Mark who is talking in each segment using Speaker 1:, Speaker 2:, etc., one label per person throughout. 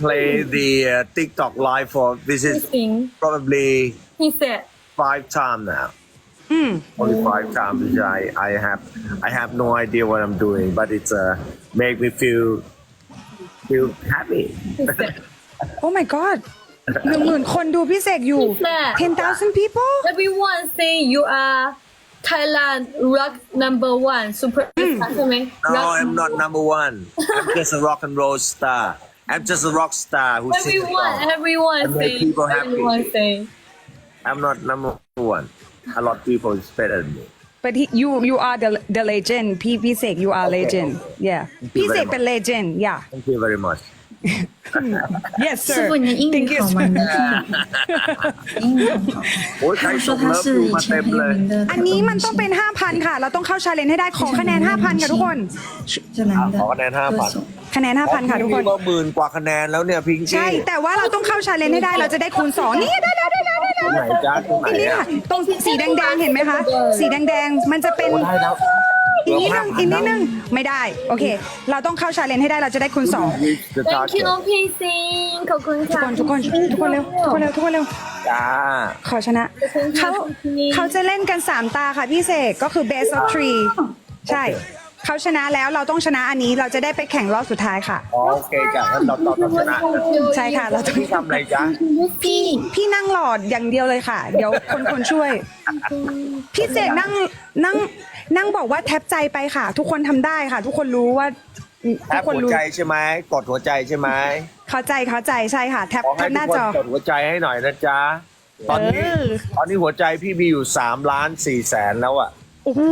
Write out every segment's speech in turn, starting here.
Speaker 1: play the TikTok live for this is probably
Speaker 2: He said
Speaker 1: 5 times now. Only 5 times. Which I have no idea what I'm doing, but it's make me feel happy.
Speaker 2: he said
Speaker 3: Oh my god 10,000 คนดูพี่เสกอยู่ 10,000 people
Speaker 2: everyone say you are Thailand rock number one superstar ใช่ไหม
Speaker 1: No, I'm not number one. I'm just a rock and roll star. I'm just a rock star who sings
Speaker 2: everyone
Speaker 1: songs.
Speaker 2: everyone
Speaker 1: And
Speaker 2: say
Speaker 1: make people happy.
Speaker 2: everyone say
Speaker 1: I'm not number one. A lot of people is better than me.
Speaker 3: but you are the legend พี่เสก you are legend yeah พี่เสกเป็น legend yeah
Speaker 1: Thank you very much.
Speaker 3: yes
Speaker 4: 师
Speaker 3: sir
Speaker 4: 傅，你的英
Speaker 3: thank
Speaker 4: 语
Speaker 3: you
Speaker 4: 好吗？
Speaker 3: sir
Speaker 4: 你的英语很好。
Speaker 1: โอ้ยใคร
Speaker 4: 他
Speaker 1: ส่
Speaker 4: 说
Speaker 1: ง
Speaker 4: 他
Speaker 1: เลิฟ
Speaker 4: 是
Speaker 1: ดู
Speaker 4: 以
Speaker 1: มา
Speaker 4: 前
Speaker 1: เต็ม
Speaker 4: 很
Speaker 1: เลย
Speaker 4: 有名的
Speaker 3: อั
Speaker 4: 泰
Speaker 3: นนี้
Speaker 4: 国
Speaker 3: มัน
Speaker 4: 明
Speaker 3: ต้องเป็น
Speaker 4: 星，
Speaker 3: 5,000 ค่ะ เราต้องเข้าชาเลนจ์ให้ได้ขอคะแนน 5,000 ค่ะทุกคน
Speaker 4: 这男的
Speaker 1: 好คะแนน5,000
Speaker 4: 歌手。
Speaker 3: คะแนน 5,000 ค่ะทุกคน
Speaker 1: ก็10,000 กว่าคะแนนแล้วเนี่ยพิงกี้
Speaker 3: ใช่ แต่ว่าเราต้องเข้าชาเลนจ์ให้ได้เราจะได้คูณ 2 นี่ได้
Speaker 1: ตรงไหนจ้าตรงไหน
Speaker 3: อันนี้
Speaker 1: อะ
Speaker 3: ค่ะตรงสีแดงๆเห็นไหมคะ สีแดงๆมันจะเป็น
Speaker 1: โอ้ได้แล้ว
Speaker 3: อีกนิดนึงอีกนิดนึงไม่ได้ โอเค เราต้องเข้าชาเลนจ์ให้ได้เราจะได้คูณ 2
Speaker 2: thank you น้องพีซิงขอบคุณค่ะ
Speaker 3: ทุกคนเร็วทุกคนเร็ว
Speaker 1: จ้า
Speaker 3: ขอชนะเขาจะเล่นกัน 3 ตาค่ะพี่เสกก็คือ best of 3ใช่เขาชนะแล้วเราต้องชนะอันนี้เราจะได้ไปแข่งรอบสุดท้ายค่ะ
Speaker 1: อ๋อโอเคจ้ะงั้นเราต้องชนะ
Speaker 3: ใช่ค่ะเราต้อง
Speaker 1: พี่ทำอะไรจ้า
Speaker 3: พี่นั่งหลอดอย่างเดียวเลยค่ะ เดี๋ยวคนช่วย พี่เสกนั่งบอกว่าแท็บใจไปค่ะ ทุกคนทำได้ค่ะ ทุกคนรู้ว่า
Speaker 1: แท
Speaker 3: ทุ
Speaker 1: บ
Speaker 3: กคน
Speaker 1: หัว
Speaker 3: รู้
Speaker 1: ใจใช่ไหมกดหัวใจใช่ไหม
Speaker 3: เข้าใจใช่ค่ะแท็บ
Speaker 1: ขอให้
Speaker 3: หน้า
Speaker 1: ทุกค
Speaker 3: จ
Speaker 1: น
Speaker 3: อ
Speaker 1: กดหัวใจให้หน่อยนะจ๊ะตอนนี้หัวใจพี่มีอยู่3,400,000แล้วอ่ะ
Speaker 3: โอ้โห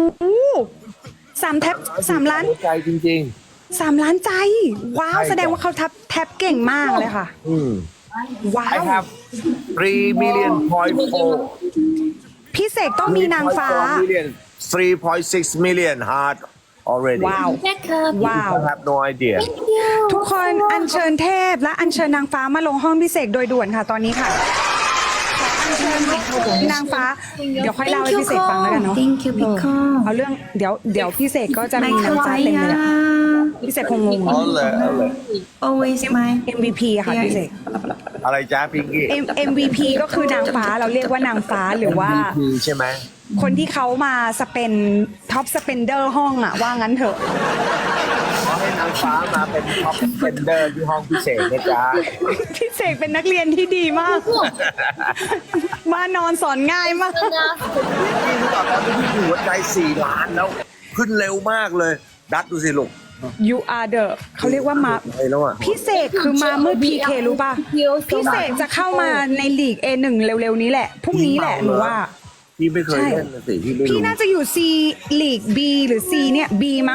Speaker 3: 3 ล้าน
Speaker 1: หัวใจจริง
Speaker 3: 3 ล้านใจ ว้าว
Speaker 1: ใช่
Speaker 3: แสดงว่าเขาแท็บเก่งมากเลยค่ะ
Speaker 1: ๆ
Speaker 3: ว้า
Speaker 1: I
Speaker 3: ว
Speaker 1: have 3 million point
Speaker 3: พี่เสกต้องมีนางฟ้า
Speaker 1: 3.6 million heart already
Speaker 3: ว้าว
Speaker 2: แม่ครับ
Speaker 3: ว้าว
Speaker 1: I have no idea
Speaker 3: ทุกคนอัญเชิญเทพและอัญเชิญนางฟ้ามาลงห้องพี่เสกโดยด่วนค่ะตอนนี้ค่ะขออัญเชิญนางฟ้า เดี๋ยวค่อยเล่าให้พี่เสกฟังแล้วกันเนาะ
Speaker 4: Thank you Pico
Speaker 3: เอาเรื่องเดี๋ยวพี่เสกก็จะ
Speaker 4: ไม่
Speaker 3: มี
Speaker 4: 可
Speaker 3: น้ำใจ
Speaker 4: 爱
Speaker 3: เต็มเลยอะ
Speaker 4: 呀
Speaker 3: พี่เสกคงงง
Speaker 1: เอาเลย
Speaker 4: ，Always my
Speaker 3: MVP อะค่ะพี่เสก
Speaker 1: อะไรจ้าพิงกี้
Speaker 3: MVP ก็คือนางฟ้าเราเรียกว่านางฟ้าหรือว่า
Speaker 1: มีใช่ไหม
Speaker 3: คนที่เขามาสเปนท็อปสเปนเดอร์ห้องอะว่างั้นเถอะ
Speaker 1: ขอให้นางฟ้ามาเป็นท็อปเฟนเดอร์ที่ห้องพิเศษนะจ๊ะ
Speaker 3: พี่เสกเป็นนักเรียนที่ดีมาก มานอนสอนง่ายมาก
Speaker 1: พี่รู้ป่ะตอนนี้พี่หัวใจ4 ล้านแล้ว ขึ้นเร็วมากเลย ดัดดูสิลูก
Speaker 3: You are the เขาเรียกว่ามา
Speaker 1: ไปแล้วอ่ะ
Speaker 3: พี่เสกคือมามืด PK รู้ป่ะ พี่เสกจะเข้ามาในลีก A1 เร็วๆนี้แหละ พรุ่งนี้แหละหนูว่า
Speaker 1: พี่ไม่เคยเล่นนะสิพี่ไม่
Speaker 3: พี่
Speaker 1: รู้
Speaker 3: น่าจะอยู่ C ลีก B หรือ C เนี่ย B มั้ง